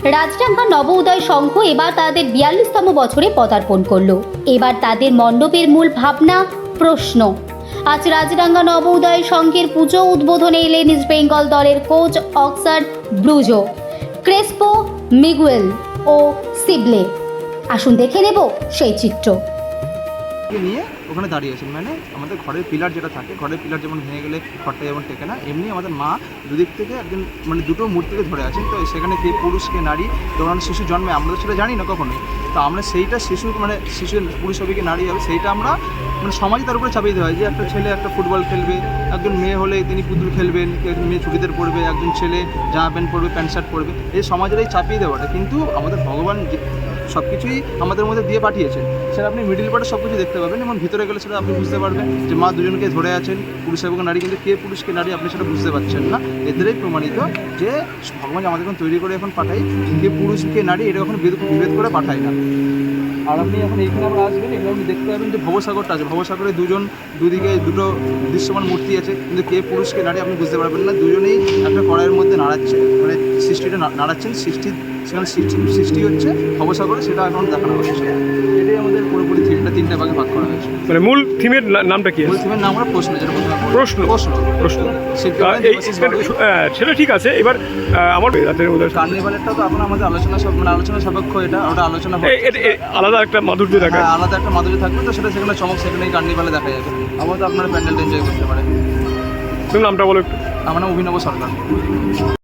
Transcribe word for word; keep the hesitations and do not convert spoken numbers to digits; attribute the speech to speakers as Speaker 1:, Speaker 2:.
Speaker 1: রাজডাঙ্গা নব উদয় সংঘ এবার তাদের বিয়াল্লিশতম বছরে পদার্পণ করল। এবার তাদের মণ্ডপের মূল ভাবনা প্রশ্ন। আজ রাজডাঙ্গা নব উদয় সংঘের পুজো উদ্বোধনে এলেন ইস্ট বেঙ্গল দলের কোচ অক্সার ব্রুজো, ক্রেসপো, মিগুয়েল ও সিবলে। আসুন দেখে নেব সেই চিত্র।
Speaker 2: নিয়ে ওখানে দাঁড়িয়েছেন, মানে আমাদের ঘরের পিলার যেটা থাকে, ঘরের পিলার যেমন ভেঙে গেলে ঘরটা যেমন টেকে না, এমনি আমাদের মা দুদিক থেকে একজন মানে দুটো মূর্তিকে ধরে আছেন। তো সেখানে কে পুরুষ কে নারী, যখন শিশু জন্মে আমরা তো সেটা জানি না কখনোই। তো আমরা সেইটা শিশু মানে শিশু পুরুষ হবে কি নারী হবে সেইটা আমরা মানে সমাজে তার উপরে চাপিয়ে দেওয়া হয় যে একটা ছেলে একটা ফুটবল খেলবে, একজন মেয়ে হলে তিনি পুতুল খেলবেন, একজন মেয়ে চুড়িদার পরবে, একজন ছেলে জামা প্যান্ট পরবে, প্যান্ট শার্ট পরবে। এই সমাজের এই চাপিয়ে দেওয়াটা কিন্তু আমাদের ভগবান সব কিছুই আমাদের মধ্যে দিয়ে পাঠিয়েছেন। সেটা আপনি মিডিল পার্টে সব কিছু দেখতে পাবেন, এবং ভিতরে গেলে সেটা আপনি বুঝতে পারবেন যে মা দুজনকে ধরে আছেন, পুরুষ এবং নারী, কিন্তু কে পুরুষ কে নারী আপনি সেটা বুঝতে পারছেন না। এদেরই প্রমাণিত যে ভগবান আমাদের এখন তৈরি করে এখন পাঠাই, কে পুরুষ কে নারী এটা এখন বিভেদ করে পাঠায় না। আর আপনি এখন এইখানে আমরা আসবেন, এখানে আপনি দেখতে পাবেন যে ভবসাগরটা আছে, ভবসাগরে দুজন দুদিকে দুটো দৃশ্যমান মূর্তি আছে, কিন্তু কে পুরুষ কে নারী আপনি বুঝতে পারবেন না। দুজনেই একটা কড়াইয়ের মধ্যে নাড়াচ্ছে, মানে সৃষ্টিটা নাড়াচ্ছেন, সৃষ্টি সেখানে সৃষ্টি সৃষ্টি হচ্ছে ভবসাগরে, সেটা এখন দেখানো হচ্ছে। এটাই আমাদের পুরোপুরি থিমটা তিনটা ভাগে ভাগ করা হয়েছে।
Speaker 3: মানে মূল থিমের নামটা কি?
Speaker 2: মূল থিমের নাম আমরা প্রশ্ন, যেটা
Speaker 3: প্রশ্ন
Speaker 2: প্রশ্ন
Speaker 3: প্রশ্ন
Speaker 2: এই
Speaker 3: সেটা ঠিক আছে। এবার আমার রাতের মধ্যে
Speaker 2: কার্নিভালেরটা তো এখন আমাদের আলোচনা সব মানে আলোচনা সাপেক্ষ, এটা ওটা আলোচনা
Speaker 3: আলাদা একটা মাধুর্য দেখা,
Speaker 2: আলাদা একটা মাধুর্য থাকবে। তো সেটা সেখানে চমক সেখানেই কার্নিভালে দেখা যাবে। আবার তো আপনারা প্যান্ডেলটা এনজয় করতে পারেন।
Speaker 3: তুমি নামটা বলো একটু।
Speaker 2: আমার নাম অভিনব সরকার।